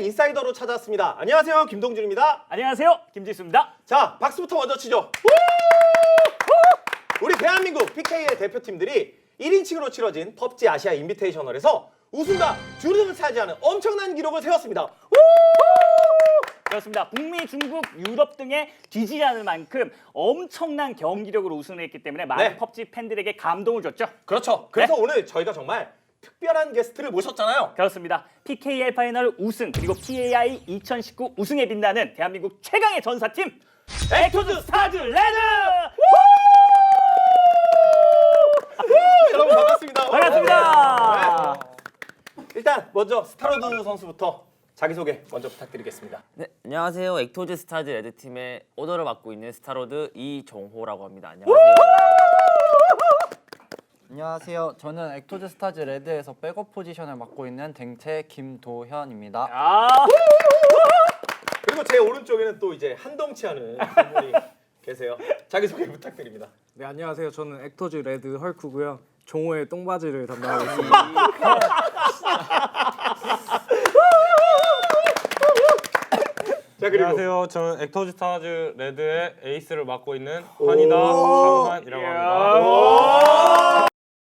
인사이더로 찾아왔습니다. 안녕하세요, 김동준입니다. 안녕하세요, 김지수입니다. 자, 박수부터 먼저 치죠. 우리 대한민국 PK의 대표팀들이 1인칭으로 치러진 펍지 아시아 인비테이셔널에서 우승과 주름을 차지하는 엄청난 기록을 세웠습니다. 그렇습니다. 북미, 중국, 유럽 등에 뒤지지 않을 만큼 엄청난 경기력으로 우승을 했기 때문에 많은 네. 펍지 팬들에게 감동을 줬죠. 그렇죠. 그래서 오늘 저희가 정말 특별한 게스트를 모셨잖아요. 그렇습니다. PKL 파이널 우승 그리고 PAI 2019 우승에 빛나는 대한민국 최강의 전사팀 액토즈 스타즈 레드! 여러분 반갑습니다. 반갑습니다. 네. 일단 먼저 스타로드 선수부터 자기소개 먼저 부탁드리겠습니다. 네, 안녕하세요. 액토즈 스타즈 레드팀의 오더를 맡고 있는 스타로드 이정호라고 합니다. 안녕하세요. 안녕하세요. 저는 액토즈 스타즈 레드에서 백업 포지션을 맡고 있는 댕채 김도현입니다. 아, 그리고 제 오른쪽에는 또 이제 한덩치하는 분이 계세요. 자기소개 부탁드립니다. 네, 안녕하세요. 저는 액터즈 레드 헐크고요. 종호의 똥바지를 담당하고 있습니다. 자, 그리고 안녕하세요. 저는 액터즈 스타즈 레드의 에이스를 맡고 있는 환이다 장환이라고 합니다.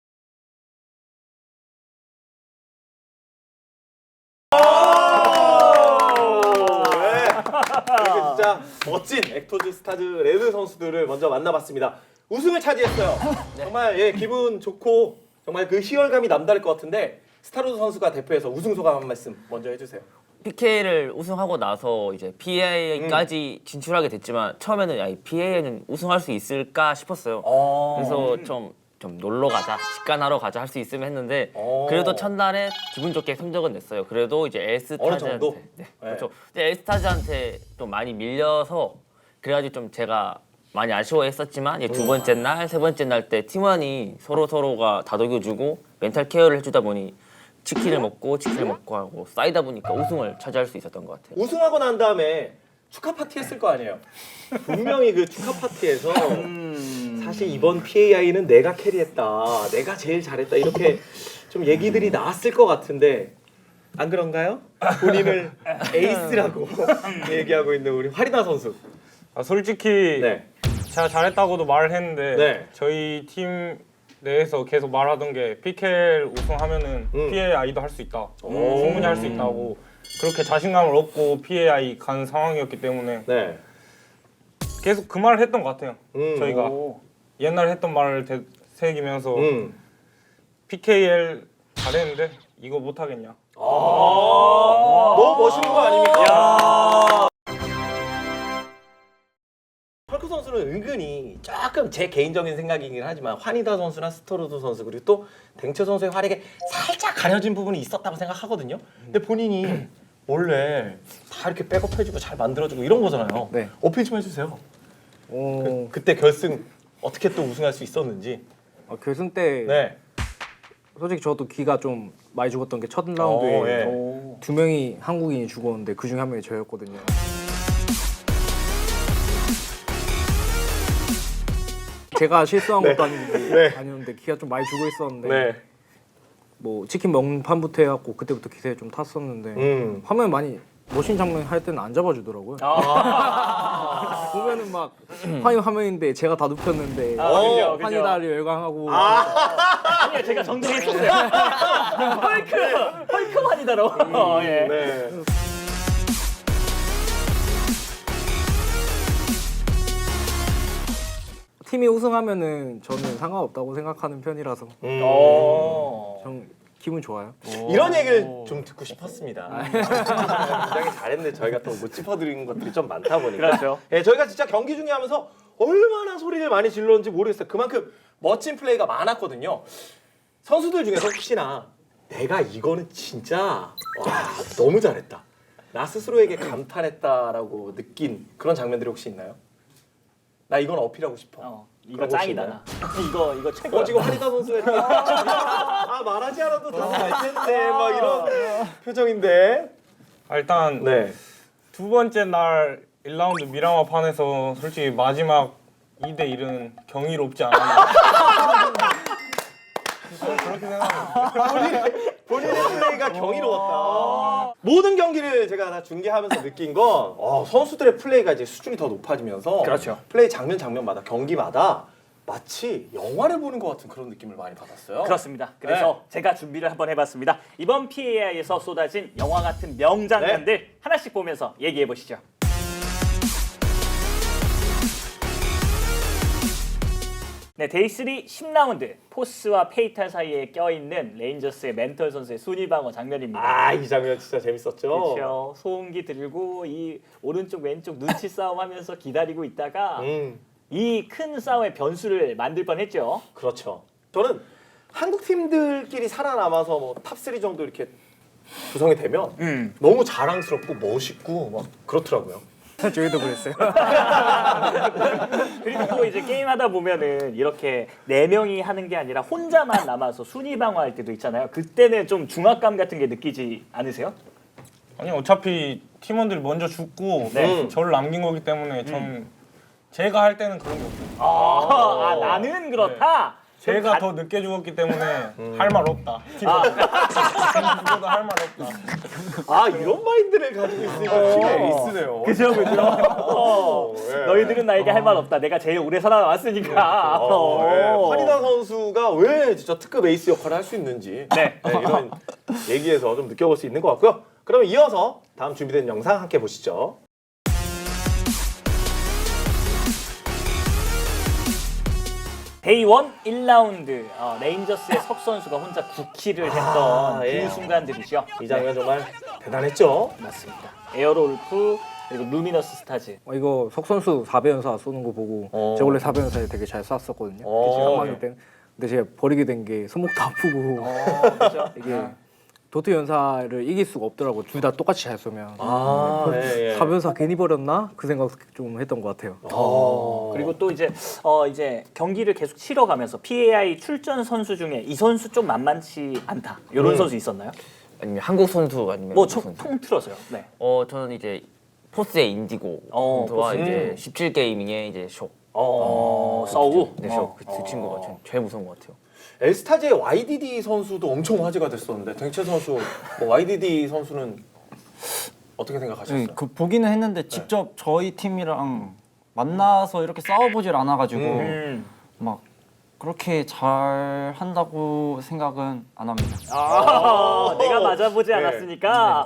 그리고 진짜 멋진 액토즈 스타즈 레드 선수들을 먼저 만나봤습니다. 우승을 차지했어요. 정말 예, 기분 좋고 정말 그 희열감이 남다를 것 같은데 스타로드 선수가 대표해서 우승 소감 한 말씀 먼저 해주세요. PK를 우승하고 나서 이제 PAI까지 진출하게 됐지만 처음에는 야, 이 PAI는 우승할 수 있을까 싶었어요. 그래서 좀 놀러 가자, 직관하러 가자 할 수 있으면 했는데 그래도 첫날에 기분 좋게 성적은 냈어요. 그래도 이제 어느 정도? 엘스타즈한테 그렇죠. 이제 엘스타즈한테 좀 많이 밀려서 그래가지고 좀 제가 많이 아쉬워했었지만 이제 두 번째 날, 세 번째 날 때 팀원이 서로가 다독여주고 멘탈 케어를 해주다 보니 치킨을 먹고 하고 쌓이다 보니까 우승을 차지할 수 있었던 것 같아요. 우승하고 난 다음에 축하 파티 했을 거 아니에요. 분명히 그 축하 파티에서 사실 이번 PAI는 내가 캐리했다, 내가 제일 잘했다 이렇게 좀 얘기들이 나왔을 것 같은데 안 그런가요? 본인을 에이스라고 얘기하고 있는 우리 화리나 선수. 솔직히 네. 제가 잘했다고도 말을 했는데 네. 저희 팀 내에서 계속 말하던 게 PKL 우승하면은 PAI도 할 수 있다. 충분히 할 수 있다고 그렇게 자신감을 얻고 PAI 간 상황이었기 때문에 네. 계속 그 말을 했던 것 같아요. 저희가 오. 옛날에 했던 말을 새기면서 음. PKL 잘했는데 이거 못하겠냐. 너무 멋있는 거 아닙니까? 헐크 선수는 은근히 조금 제 개인적인 생각이긴 하지만 환희다 선수나 스토로드 선수 그리고 또 댕채 선수의 활약에 살짝 가려진 부분이 있었다고 생각하거든요. 근데 본인이 원래 다 이렇게 백업해주고 잘 만들어주고 이런 거잖아요. 네. 어필 좀 해주세요. 어, 그때 결승 어떻게 또 우승할 수 있었는지. 결승 때 네. 솔직히 저도 기가 좀 많이 죽었던 게 첫 라운드에 예. 두 명이 한국인이 죽었는데 그 중에 한 명이 저였거든요. 제가 실수한 것도 아니었는데 기가 좀 많이 죽어 있었는데 네. 뭐 치킨 먹는 판부터 해갖고 그때부터 기세에 좀 탔었는데 화면 많이 멋진 장면 할 때는 안 잡아주더라고요. 보면은 막 환희 화면인데 제가 다 눕혔는데 그죠, 그죠. 환희다를 열광하고 아니요, 제가 정정했었어요. 헐크만이다로. 예. 네. 팀이 우승하면은 저는 상관없다고 생각하는 편이라서 전 기분 좋아요. 이런 얘기를 좀 듣고 싶었습니다. 굉장히 잘했는데 저희가 또 못 짚어드리는 것들이 좀 많다 보니까. 그렇죠. 예, 저희가 진짜 경기 중에 하면서 얼마나 소리를 많이 질렀는지 모르겠어요. 그만큼 멋진 플레이가 많았거든요. 선수들 중에서 혹시나 내가 이거는 진짜 와 너무 잘했다. 나 스스로에게 감탄했다라고 느낀 그런 장면들이 혹시 있나요? 나 이건 어필하고 싶어. 이거 그런 짱이다. 거 나. 이거 최고야. 지금 환희다 선수가 이렇게 아 말하지 않아도 다알 텐데 막 이런 표정인데. 일단 네. 두 번째 날 1라운드 미라마 판에서 솔직히 마지막 2대 1은 경이롭지 않았나. 그렇게 생각합니다. 본인의 플레이가 경이로웠다. 모든 경기를 제가 다 중계하면서 느낀 건 선수들의 플레이가 이제 수준이 더 높아지면서 그렇죠. 플레이 장면마다 경기마다 마치 영화를 보는 것 같은 그런 느낌을 많이 받았어요. 그렇습니다. 그래서 제가 준비를 한번 해봤습니다. 이번 PAI에서 쏟아진 영화 같은 명장면들 하나씩 보면서 얘기해 보시죠. 네, 데이3 10라운드 포스와 페이탈 사이에 껴있는 레인저스의 멘털 선수의 순위 방어 장면입니다. 이 장면 진짜 재밌었죠. 그렇죠. 소음기 들고 이 오른쪽 왼쪽 눈치 싸움하면서 기다리고 있다가 이 큰 싸움의 변수를 만들 뻔했죠. 그렇죠. 저는 한국 팀들끼리 살아남아서 뭐 탑3 정도 이렇게 구성이 되면 너무 자랑스럽고 멋있고 막 그렇더라고요. 저희도 그랬어요. 그리고 또 이제 게임하다 보면은 이렇게 4명이 하는 게 아니라 혼자만 남아서 순위 방어할 때도 있잖아요. 그때는 좀 중압감 같은 게 느끼지 않으세요? 아니 어차피 팀원들이 먼저 죽고 네. 저를 남긴 거기 때문에 전 제가 할 때는 그런 게 없어요. 나는 그렇다. 제가 더 늦게 죽었기 때문에 할 말 없다. 죽어도 할 말 없다. 이런 마인드를 가지고 있으니까 팀의 에이스네요. 그죠. 예. 너희들은 나에게 할 말 없다. 내가 제일 오래 살아왔으니까. 환희단 선수가 왜 진짜 특급 에이스 역할을 할 수 있는지 이런 얘기에서 좀 느껴볼 수 있는 것 같고요. 그러면 이어서 다음 준비된 영상 함께 보시죠. 데이 1 1라운드 레인저스의 석 선수가 혼자 9킬을 했던 그 순간들이죠. 이 장면 정말 대단했죠. 맞습니다. 에어롤프 그리고 루미너스 스타즈. 이거 석 선수 4배연사 쏘는 거 보고 제가 원래 4배연사에 되게 잘 쐈었거든요. 어. 3학년 때. 근데 제가 버리게 된 게 손목도 아프고 그렇죠. 이게 도트 연사를 이길 수가 없더라고. 둘 다 똑같이 잘 쏘면. 예. 4배연사 괜히 버렸나? 그 생각 좀 했던 것 같아요. 그리고 또 이제 경기를 계속 치러가면서 PAI 출전 선수 중에 이 선수 좀 만만치 않다. 이런 선수 있었나요? 아니면 한국 선수 아니면 뭐 미국 선수? 통틀어서요. 네. 저는 이제 포스의 인디고 선수와 이제 17게이밍의 이제 쇼. 서우. 네, 쇼. 그 친구가 제일 무서운 것 같아요. 엘스타즈의 YDD 선수도 엄청 화제가 됐었는데 댕채 선수, YDD 선수는 어떻게 생각하셨어요? 그 보기는 했는데 직접 저희 팀이랑 만나서 이렇게 싸워보질 않아가지고 막 그렇게 잘 한다고 생각은 안 합니다. 내가 맞아보지 네. 않았으니까.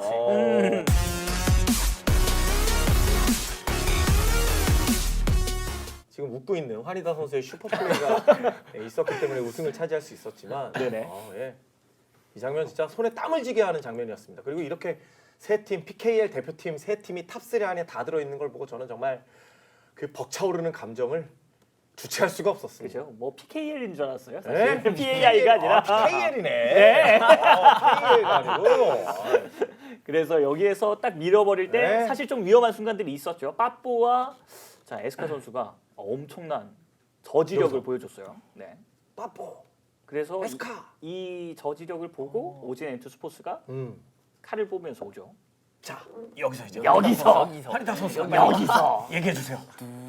지금 웃고 있는 환희다 선수의 슈퍼플레이가 있었기 때문에 우승을 차지할 수 있었지만 네네. 이 장면 진짜 손에 땀을 쥐게 하는 장면이었습니다. 그리고 이렇게 세 팀, PKL 대표팀 세 팀이 탑3 안에 다 들어있는 걸 보고 저는 정말 그 벅차오르는 감정을 주체할 수가 없었습니다. 그죠? 뭐 PKL인 줄 알았어요. 사실 PAI가 아니라. PKL이네. 네. PKL가 아니고. 그래서 여기에서 딱 밀어버릴 때 네. 사실 좀 위험한 순간들이 있었죠. 빠뽀와 자 에스카 선수가 엄청난 저지력을 보여줬어요. 네. 빠뽀. 그래서 에스카. 이 저지력을 보고 오진 엔투스포츠가 칼을 뽑으면서 오죠. 자, 여기서 이제 여기서 환희다 선수 여기서 얘기해 주세요.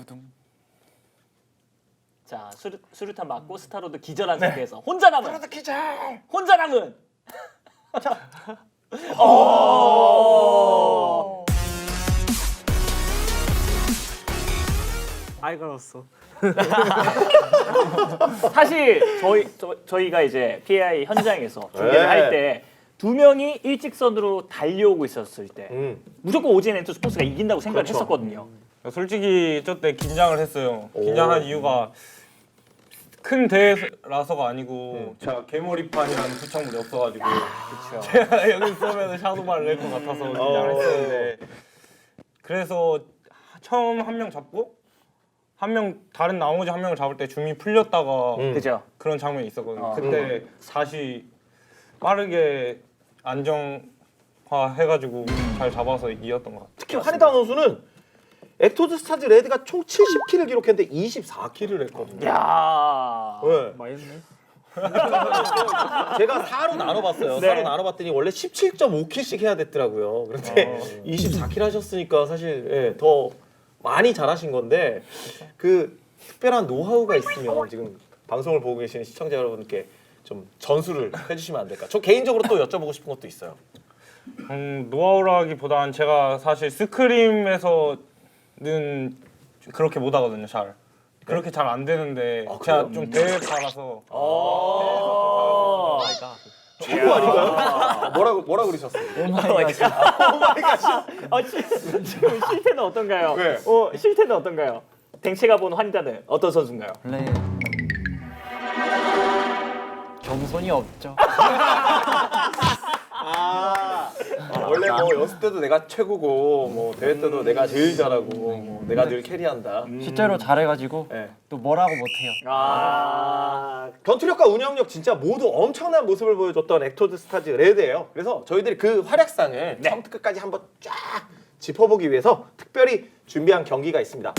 자 수류탄 맞고 스타로드 기절한 상태에서 혼자 남은 혼자 남은 아이가 났어. 사실 저희가 이제 PAI 현장에서 중계를 할 때 2명이 일직선으로 달려오고 있었을 때 무조건 오진 엔투스포츠가 이긴다고 생각을 그렇죠. 했었거든요. 솔직히 저 때 긴장을 했어요. 긴장한 이유가 큰 대회라서가 아니고 제가 개머리판이라는 부착물이 없어가지고 제가 여기 쏘면 샤도바를 낼 것 같아서 긴장을 했었는데 그래서 처음 한 명 잡고 다른 나머지 한 명을 잡을 때 줌이 풀렸다가 그죠? 그런 장면이 있었거든요. 그때 다시 빠르게 안정화 해가지고 잘 잡아서 이겼던 것 같아요. 특히 환희다 선수는 액토즈 스타즈 레드가 총 70킬을 기록했는데 24킬을 했거든요. 야. 네. 많이 했네. 제가 4로 나눠봤어요. 네. 4로 나눠봤더니 원래 17.5킬씩 해야 됐더라고요. 그런데 24킬 하셨으니까 사실 더 많이 잘하신 건데 그 특별한 노하우가 있으면 지금 방송을 보고 계시는 시청자 여러분께 좀 전수를 해주시면 안 될까? 저 개인적으로 또 여쭤보고 싶은 것도 있어요. 노하우라기보단 제가 사실 스크림에서는 그렇게 못 하거든요. 잘 그렇게 잘 안 되는데 제가 좀 대회 가라서 최고 아닌가요? 뭐라 그러셨어요? 지금 실태는 어떤가요? 네. 실태는 어떤가요? 댕채가 본 환자는 어떤 선수인가요? 원래 겸손이 없죠. 원래 뭐 연습 때도 내가 최고고 뭐 대회 때도 내가 제일 잘하고 뭐 내가 늘 캐리한다. 실제로 잘해가지고 네. 또 뭐라고 못해요. 전투력과 운영력 진짜 모두 엄청난 모습을 보여줬던 엑토드 스타즈 레드예요. 그래서 저희들이 그 활약상을 처음부터 끝까지 한번 쫙 짚어보기 위해서 특별히 준비한 경기가 있습니다.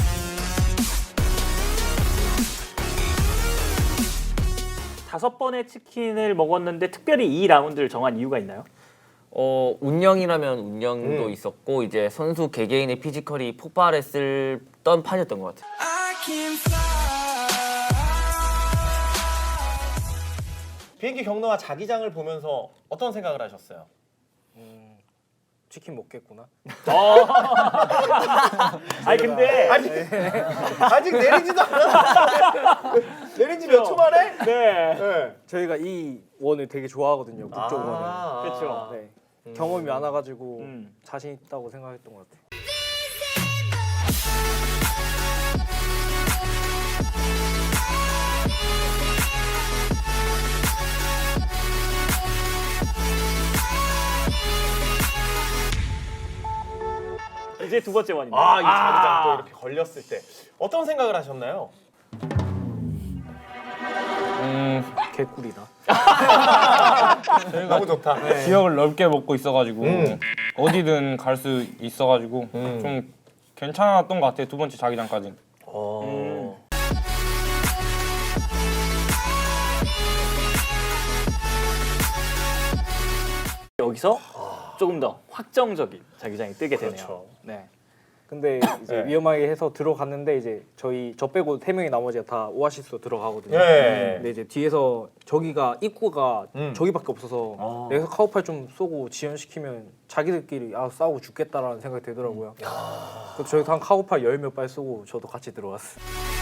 다섯 번의 치킨을 먹었는데 특별히 이 라운드를 정한 이유가 있나요? 운영이라면 운영도 있었고 이제 선수 개개인의 피지컬이 폭발했던 판이었던 것 같아요. 비행기 경로와 자기장을 보면서 어떤 생각을 하셨어요? 치킨 먹겠구나. 아니 근데 아직 내리지도 않았어. 내린 지 몇 초 만에? 네. 네. 저희가 이 원을 되게 좋아하거든요. 북쪽 원을. 그렇죠. 네. 경험이 많아가지고 음. 자신 있다고 생각했던 것 같아요. 이제 두 번째 원입니다. 이 자기장 또 이렇게 걸렸을 때 어떤 생각을 하셨나요? 개꿀이다. 너무 좋다. 지역을 넓게 먹고 있어가지고 어디든 갈 수 있어가지고 좀 괜찮았던 것 같아요. 두 번째 자기장까지는. 여기서 조금 더 확정적인 자기장이 뜨게 되네요. 그렇죠. 네. 근데 이제 네. 위험하게 해서 들어갔는데 이제 저 빼고 3명이 나머지가 다 오아시스로 들어가거든요. 네. 근데 이제 뒤에서 저기가 입구가 저기밖에 없어서 내가 카우팔 좀 쏘고 지연시키면 자기들끼리 싸우고 죽겠다라는 생각이 들더라고요. 그래서 저희도 한 카우팔 10몇 발 쏘고 저도 같이 들어갔어요.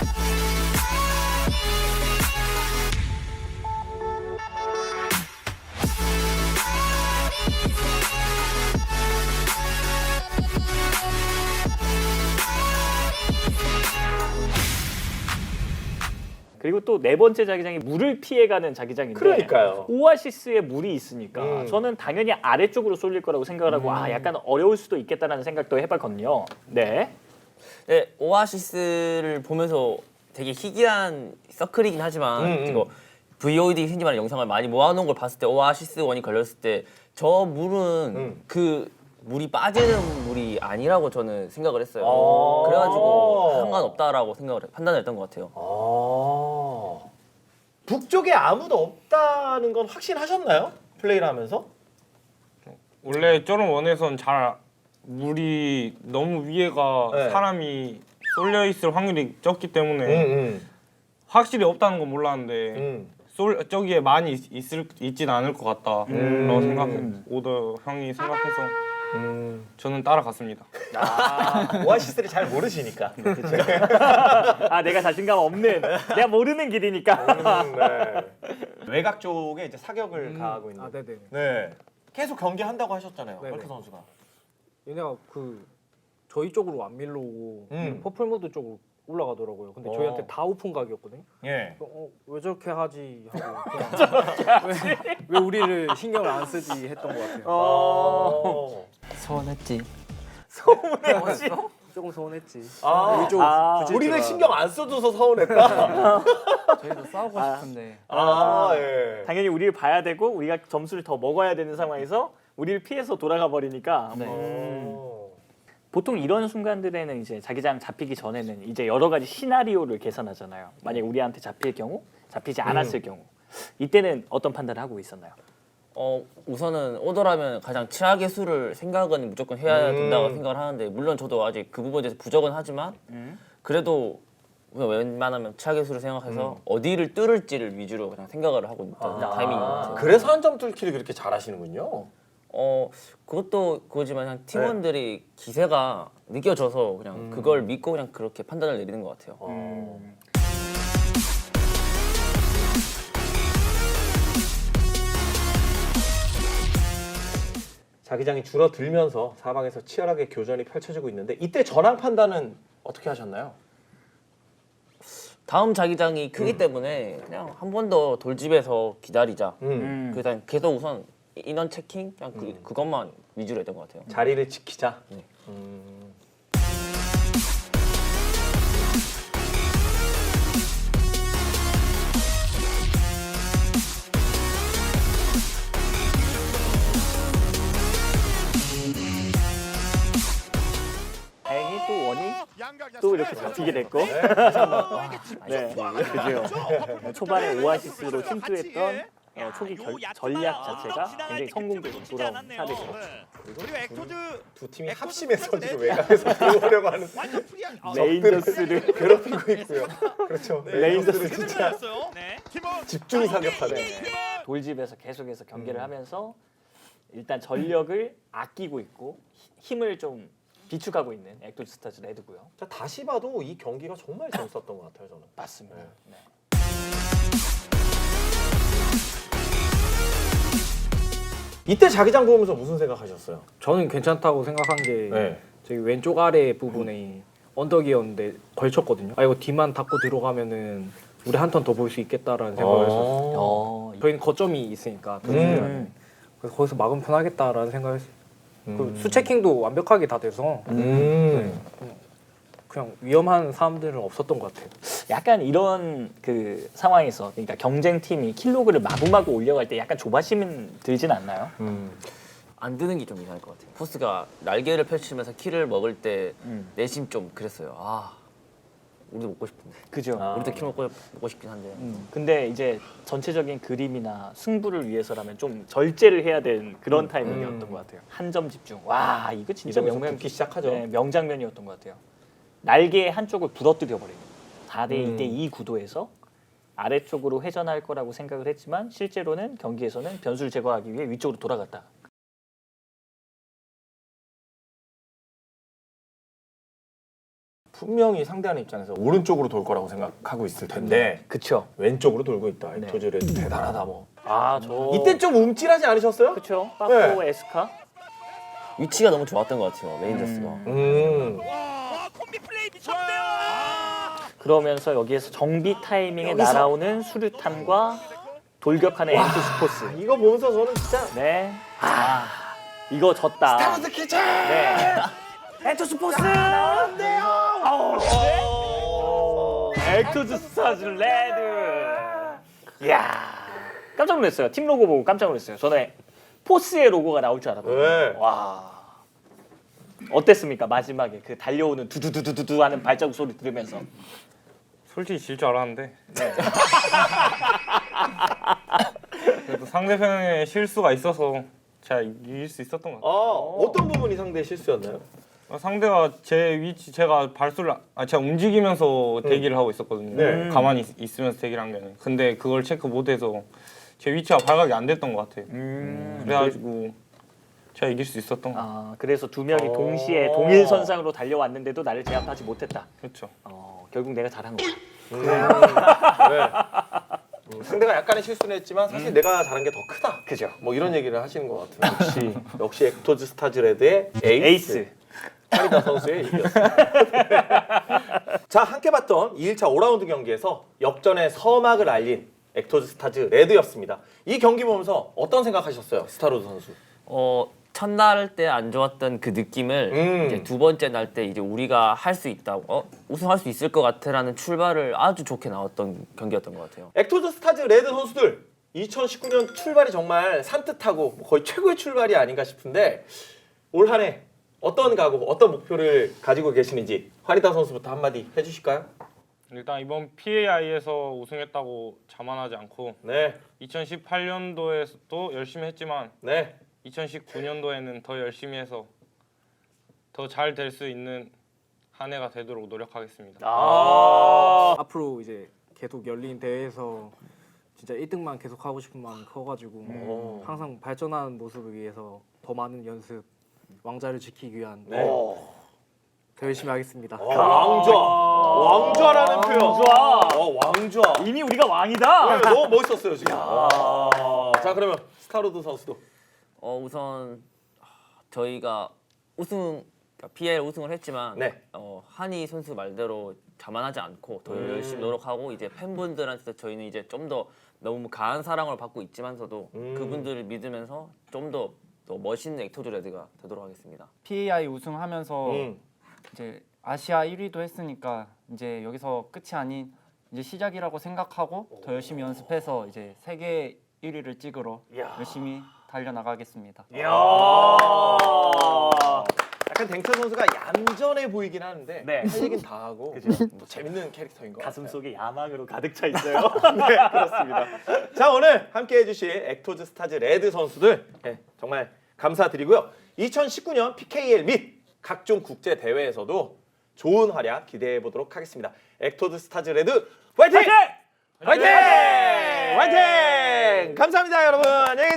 그리고 또 네 번째 자기장이 물을 피해가는 자기장인데 그러니까요. 오아시스에 물이 있으니까 음. 저는 당연히 아래쪽으로 쏠릴 거라고 생각을 하고 약간 어려울 수도 있겠다라는 생각도 해봤거든요. 네. 네, 오아시스를 보면서 되게 희귀한 서클이긴 하지만 이거 VOD 흔히 말하는 영상을 많이 모아놓은 걸 봤을 때 오아시스 원이 걸렸을 때 저 물은 그 물이 빠지는 물이 아니라고 저는 생각을 했어요. 그래가지고 상관없다라고 판단을 했던 것 같아요. 북쪽에 아무도 없다는 건 확신하셨나요? 플레이를 하면서? 원래 저런 원에선 잘 물이 너무 위에가 네. 사람이 쏠려 있을 확률이 적기 때문에 확실히 없다는 건 몰랐는데 저기에 많이 있진 않을 것 같다라고 생각해. 오더 형이 생각해서 저는 따라갔습니다. 오아시스를 잘 모르시니까. 내가 자신감 없는, 내가 모르는 길이니까. 네. 외곽 쪽에 이제 사격을 가하고 있는. 네네. 네. 계속 경기한다고 하셨잖아요. 네네. 헐크 선수가. 얘네가 저희 쪽으로 안 밀러오고 퍼플모드 쪽으로 올라가더라고요. 근데 저희한테 다 오픈 각이었거든요. 예. 왜 저렇게 하지 하고 그냥 왜 우리를 신경을 안 쓰지 했던 것 같아요. 서운했지. 조금 서운했지. 아, 쪽 우리를 신경 안 써줘서 서운했다. 저희도 싸우고 싶은데 예. 당연히 우리를 봐야 되고 우리가 점수를 더 먹어야 되는 상황에서 우리를 피해서 돌아가 버리니까 보통 이런 순간들에는 이제 자기장 잡히기 전에는 이제 여러 가지 시나리오를 계산하잖아요. 만약 우리한테 잡힐 경우, 잡히지 않았을 경우 이때는 어떤 판단을 하고 있었나요? 우선은 오더라면 가장 최악의 수를 생각은 무조건 해야 된다고 생각을 하는데 물론 저도 아직 그 부분에 대해서 부족은 하지만 그래도 그냥 웬만하면 최악의 수를 생각해서 어디를 뚫을지를 위주로 그냥 생각을 하고 있던 타이밍인 것 같아요. 그래서 한 점 뚫기를 그렇게 잘하시는군요. 그것도 그거지만 그냥 팀원들이 기세가 느껴져서 그냥 그걸 믿고 그냥 그렇게 판단을 내리는 것 같아요. 자기장이 줄어들면서 사방에서 치열하게 교전이 펼쳐지고 있는데 이때 전황 판단은 어떻게 하셨나요? 다음 자기장이 크기 때문에 그냥 한 번 더 돌집에서 기다리자. 그냥 계속 우선 인원 체킹 그냥 그것만 위주로 했던 것 같아요. 자리를 지키자. 네. 다행히 또 원이 또 이렇게 잡히게 됐고. 네, 그죠. 초반에 오아시스로 침투했던 초기 전략 자체가 굉장히 성공적으로 돌아온 사례죠. 그리고 엑토즈 두 팀이 합심해서 지금 외곽에서 들어오려고 하는 레인저스를 괴롭히고 있고요. 그렇죠. 레인저스 진짜 네. 집중이 사격하네. 돌집에서 계속해서 경기를 하면서 일단 전력을 아끼고 있고 힘을 좀 비축하고 있는 엑토즈 스타즈 레드고요. 자, 다시 봐도 이 경기가 정말 재밌었던 것 같아요, 저는. 맞습니다. 네. 이때 자기장 보면서 무슨 생각하셨어요? 저는 괜찮다고 생각한 게 네. 저기 왼쪽 아래 부분에 언덕이었는데 걸쳤거든요. 아 이거 뒤만 닫고 들어가면은 우리 한 턴 더 볼 수 있겠다라는 생각을 했었어요. 저희는 거점이 있으니까 더 중요한데 그래서 거기서 막으면 편하겠다라는 생각을 했어요. 그리고 수체킹도 완벽하게 다 돼서 그냥 위험한 사람들은 없었던 것 같아요. 약간 이런 그 상황에서 그러니까 경쟁팀이 킬로그를 마구마구 올려갈 때 약간 조바심 들진 않나요? 안 드는 게 좀 이상할 것 같아요. 포스가 날개를 펼치면서 키를 먹을 때 내심 좀 그랬어요. 아, 우리도 먹고 싶은데. 그죠. 우리도 키 먹고 싶긴 한데. 근데 이제 전체적인 그림이나 승부를 위해서라면 좀 절제를 해야 되는 그런 타이밍이었던 것 같아요. 한 점 집중. 와 이거 진짜 이러면서 붙기 시작하죠. 네, 명장면이었던 것 같아요. 날개 한쪽을 부러뜨려 버리고 4대 2대 2 구도에서 아래쪽으로 회전할 거라고 생각을 했지만 실제로는 경기에서는 변수를 제거하기 위해 위쪽으로 돌아갔다. 분명히 상대하는 입장에서 오른쪽으로 돌 거라고 생각하고 있을 텐데 그쵸. 왼쪽으로 돌고 있다. 네. 엑토즈레 대단하다 뭐. 저 이때 좀 움찔하지 않으셨어요? 그쵸. 빠코 에스카. 위치가 너무 좋았던 것 같아요. 레인저스가. 와 콤비 플레이 미쳤네요. 그러면서 여기에서 정비 타이밍에 날아오는 수류탄과 돌격하는 엔투스포스. 이거 보면서 저는 진짜 네. 이거 졌다. 스타워즈 키즈! 네. 엔투스포스 나왔네요. 엑토즈 스타즈 레드. 이야. 깜짝 놀랐어요. 팀 로고 보고 깜짝 놀랐어요. 저는 포스의 로고가 나올 줄 알았거든요. 네. 와. 어땠습니까? 마지막에 그 달려오는 두두두두두 하는 발자국 소리 들으면서. 솔직히 질 줄 알았는데. 그래도 상대편의 실수가 있어서 제가 이길 수 있었던 것 같아요. 어떤 부분이 상대의 실수였나요? 상대가 제 위치 제가 제가 움직이면서 대기를 하고 있었거든요. 네. 가만히 있으면서 대기를 한 게 아니라. 근데 그걸 체크 못해서 제 위치가 발각이 안 됐던 것 같아요. 그래가지고 제가 이길 수 있었던 것 같아요. 그래서 두 명이 동시에 동일 선상으로 달려왔는데도 나를 제압하지 못했다. 그렇죠. 결국 내가 잘한 거야. 상대가 약간의 실수는 했지만 사실 내가 잘한 게 더 크다. 그죠. 뭐 이런 얘기를 하시는 것 같아요. 역시 엑토즈 스타즈 레드의 에이스. 카리다 선수의 얘기였습니다. 자, 함께 봤던 2일차 5라운드 경기에서 역전의 서막을 알린 엑토즈 스타즈 레드였습니다. 이 경기 보면서 어떤 생각하셨어요, 스타로드 선수? 첫날 때 안 좋았던 그 느낌을 이제 두 번째 날 때 이제 우리가 할 수 있다, 우승할 수 있을 것 같아라는 출발을 아주 좋게 나왔던 경기였던 것 같아요. 엑토즈 스타즈 레드 선수들 2019년 출발이 정말 산뜻하고 거의 최고의 출발이 아닌가 싶은데 올 한 해 어떤 각오, 어떤 목표를 가지고 계시는지 화리다 선수부터 한마디 해주실까요? 일단 이번 PAI에서 우승했다고 자만하지 않고 네, 2018년도에도 열심히 했지만 네. 2019년도에는 더 열심히 해서 더 잘 될 수 있는 한 해가 되도록 노력하겠습니다. 앞으로 이제 계속 열린 대회에서 진짜 1등만 계속 하고 싶은 마음이 커가지고 항상 발전하는 모습을 위해서 더 많은 연습, 왕자를 지키기 위한 더 열심히 하겠습니다. 왕좌라는 표현. 왕좌. 이미 우리가 왕이다. 너무 멋있었어요 지금. 자 그러면 스타로드 선수도. 우선 저희가 PL 우승을 했지만 네. 한희 선수 말대로 자만하지 않고 더 열심히 노력하고 이제 팬분들한테 저희는 이제 좀 더 너무 강한 사랑을 받고 있지만서도 그분들을 믿으면서 좀 더 멋있는 액터즈 레드가 되도록 하겠습니다. PAI 우승하면서 음. 이제 아시아 1위도 했으니까 이제 여기서 끝이 아닌 이제 시작이라고 생각하고 더 열심히 연습해서 이제 세계 1위를 찍으러 열심히 달려나가겠습니다. 약간 댕철 선수가 얌전해 보이긴 하는데 네. 할 얘기는 다 하고 뭐 재밌는 캐릭터인 것 가슴 같아요. 속에 야망으로 가득 차 있어요. 네, 그렇습니다. 자, 오늘 함께 해주실 액토즈 스타즈 레드 선수들 정말 감사드리고요. 2019년 PKL 및 각종 국제 대회에서도 좋은 활약 기대해 보도록 하겠습니다. 액토즈 스타즈 레드 화이팅! 화이팅! 화이팅! 감사합니다, 여러분. 안녕히 계세요.